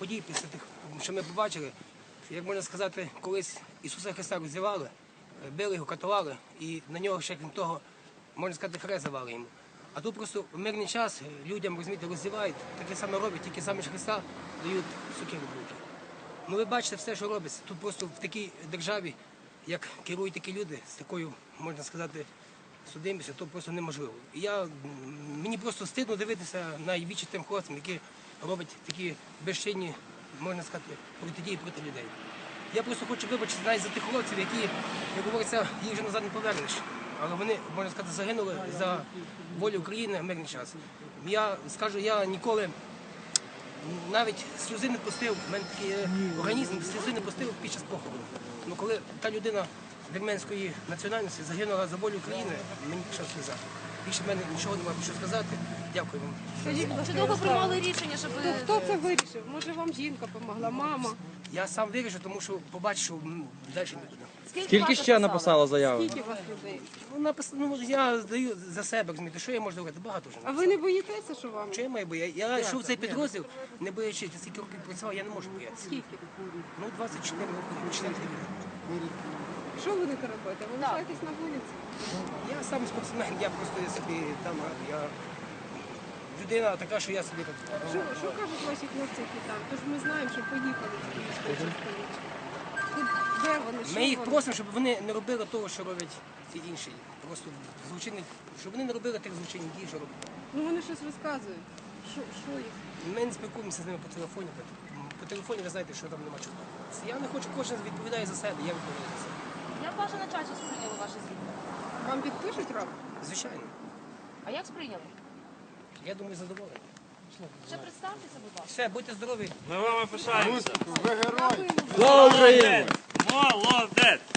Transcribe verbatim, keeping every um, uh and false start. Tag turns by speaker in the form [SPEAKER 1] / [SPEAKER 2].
[SPEAKER 1] подій, після тих, що ми побачили, як можна сказати, колись Ісуса Христа роздівали, били його, катували, і на нього ще, крім того, можна сказати, хрест давали йому. А тут просто в мирний час людям, розумієте, роздівають, таке саме роблять, тільки саме ж Христа дають сокиру в руки. Ну ви бачите все, що робиться. Тут просто в такій державі, як керують такі люди, з такою, можна сказати, судимістю, то просто неможливо. І я, мені просто стидно дивитися на вічі тим хлопцям, які роблять такі безчинні, можна сказати, протидії проти людей. Я просто хочу вибачити навіть за тих хлопців, які, як говориться, їх вже назад не повернеш. Але вони, можна сказати, загинули за волю України в мирний час. Я скажу, я ніколи навіть сльози не пустив, в мене такий організм, сльози не пустив під час похорону. Ну коли та людина вірменської національності загинула за волю України, мені пішла сльоза. Більше в мене нічого немає що сказати. Дякую вам.
[SPEAKER 2] Скажіть, чи довго приймали рішення, щоб...
[SPEAKER 3] Хто це вирішив? Може вам жінка допомогла, мама?
[SPEAKER 1] Я сам вирішу, тому що побачу, що м, далі не буде.
[SPEAKER 4] Скільки ще написала заяви?
[SPEAKER 3] Скільки у вас людей?
[SPEAKER 1] Ну, напис... ну, я здаю за себе, розумієте, що я можу говорити? Багато вже.
[SPEAKER 3] А ви не боїтеся, що вам?
[SPEAKER 1] Що я маю боятися? Я йшов в цей підрозділ, не боячись, скільки років працював, я не можу боятися.
[SPEAKER 3] Скільки?
[SPEAKER 1] Ну, двадцять чотири роки, чотири роки.
[SPEAKER 3] Що ви будете робити? Ви лишаєтесь на вулиці?
[SPEAKER 1] Я сам спортсмен, я просто я собі там раду. Я людина така, що я собі тут.
[SPEAKER 3] Що, що кажуть ваші хлопці, які там? Тож ми знаємо, що поїхали з Київської частини. Де вони? Що
[SPEAKER 1] Ми їх
[SPEAKER 3] вони?
[SPEAKER 1] просимо, щоб вони не робили того, що роблять ці інші. Просто злочинні, щоб вони не робили тих злочинних дій, що роблять.
[SPEAKER 3] Ну вони щось розказують. Що, що їх?
[SPEAKER 1] Ми не спілкуємося з ними по телефоні. По телефоні ви знаєте, що там нема чого. Я не хочу, кожен відповідає за себе, я відповідаю за себе.
[SPEAKER 2] Як ваше начальство сприйняло ваше звільнення?
[SPEAKER 3] Вам підпишуть рапорт?
[SPEAKER 1] Звичайно.
[SPEAKER 2] А як сприйняли?
[SPEAKER 1] Я думаю, задоволений.
[SPEAKER 2] Ще представтеся, будь ласка.
[SPEAKER 1] Все, будьте здорові.
[SPEAKER 5] Ми вами пишаємося.
[SPEAKER 3] Дякуємо.
[SPEAKER 4] Слава Україні!
[SPEAKER 5] Молодець!